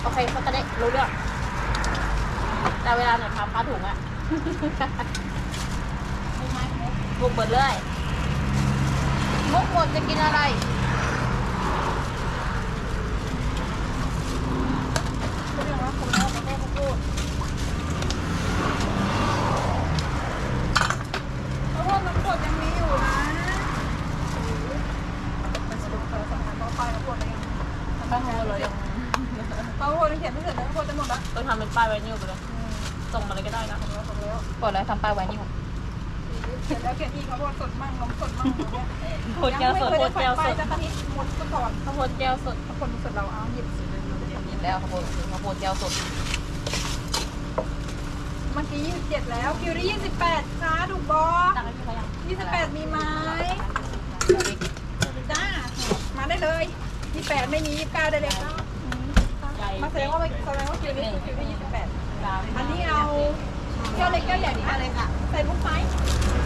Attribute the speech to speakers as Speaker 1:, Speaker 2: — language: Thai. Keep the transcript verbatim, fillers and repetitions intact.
Speaker 1: โอเคเขาจะได้รู้เรื่องแต่เวลาหนูทำผ้าถุงอะบุกเบิดเลยมุกหมดจะกินอะไรพูดเรื่องว่าคุณแม่ไม่ได้พูดเพราะว่าน้ำกรดยังมีอยู่นะมันสรุปเธอสำคัญต้องไปน้ำกรดเลยยังต้องโง่เลยยังเขาโง่เขียนไม่เสร็จแล้วโง่จะหมดละต้องทำเป็นป้ายไวนิลไปเลยส่งมาเลยก็ได้นะส่งแล้วส่งแล้วกดแล้วทำป้ายไวนิลเสร็จแล้วเขียนอีกเขาบอกสดมั่งนมสดมั่งเนี่ยโคตรแก้วสดโคตรแก้วสดจะกะทิหมดก่อนข้าวโพดแก้วสดข้าวโพดสดเราเอาหยิบหยิบแล้วข้าวโพดข้าวโพดแก้วสดเมื่อกี้ยี่สิบเจ็ดแล้วคิวรี่ยี่สิบแปดค่ะถูกบอยี่สิบแปดมีไหมจ้ามาได้เลยยี่สิบแปดไม่มียี่สิบเก้าได้เลยค่ะมาแสดงว่าแสดงว่าคิวรี่คิวรี่ยี่สิบแปดอันนี้เอาแก้วเล็กแก้วใหญ่นี่อะไรค่ะใส่ลูกไม้